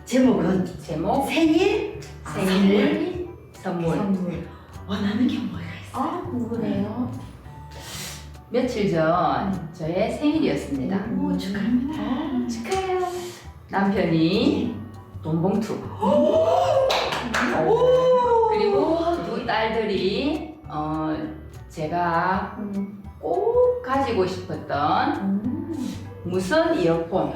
제목은 제목 생일 선물. 원하는 게 뭐가 있어요? 아, 궁금해요. 며칠 전 저의 생일이었습니다. 오, 축하합니다. 축하해요. 남편이 돈봉투 그리고 두 딸들이 제가 꼭 가지고 싶었던 무선 이어폰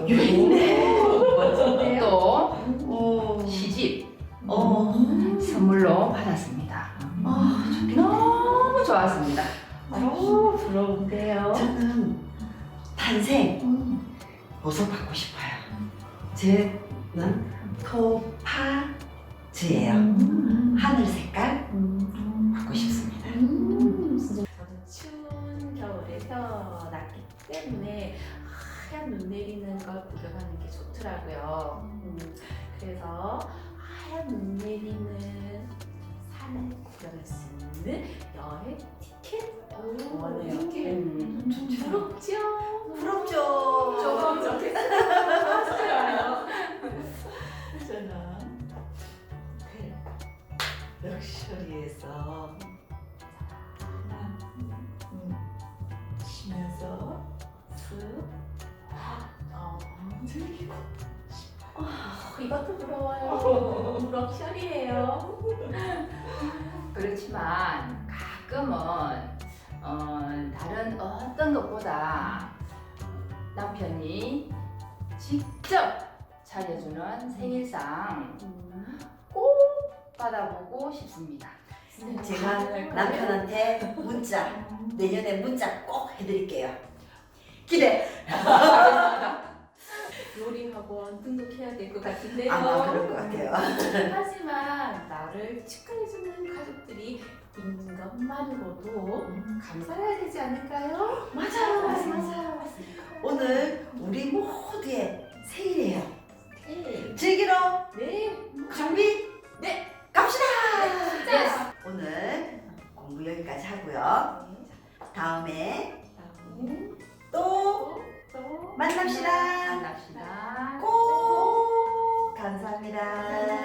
있네. 또 오. 시집 선물로 받았습니다. 좋겠네. 너무 좋았습니다. 아우, 부러운데요. 저는 탄생 어서 받고 싶어요. 쟤는 토파즈예요. 하늘 색깔 받고 싶습니다. 저는 추운 겨울에 태어났기 때문에 하얀 눈 내리는 걸 구경하는 게 좋더라고요. 그래서 하얀 눈 내리는 산을 구경할 수 있는 여행 티켓 원해요. 부럽죠? 부럽죠. 조금 좋겠어요. 저는 럭셔리에서 쉬면서 쓱 즐기고 이것도 부러워요. 럭셔리예요. 그렇지만 가끔은 다른 어떤 것보다 남편이 직접 차려주는 생일상 꼭 받아보고 싶습니다. 제가 남편한테 문자 내년에 문자 꼭 해드릴게요. 기대. 요리 학원 등록해야 될 것 같은데요. 아마 그럴 것 같아요. 하지만 나를 축하해주는 가족들이 있는 것만으로도 감사해야 되지 않을까요? 맞아요. 오늘 우리 모두의 생일이에요. 네. 즐기러 네. 준비 네. 갑시다. 자. 오늘 공부 여기까지 하고요. 다음에 다음에 또 또 만납시다. 만납시다. 꼭 감사합니다.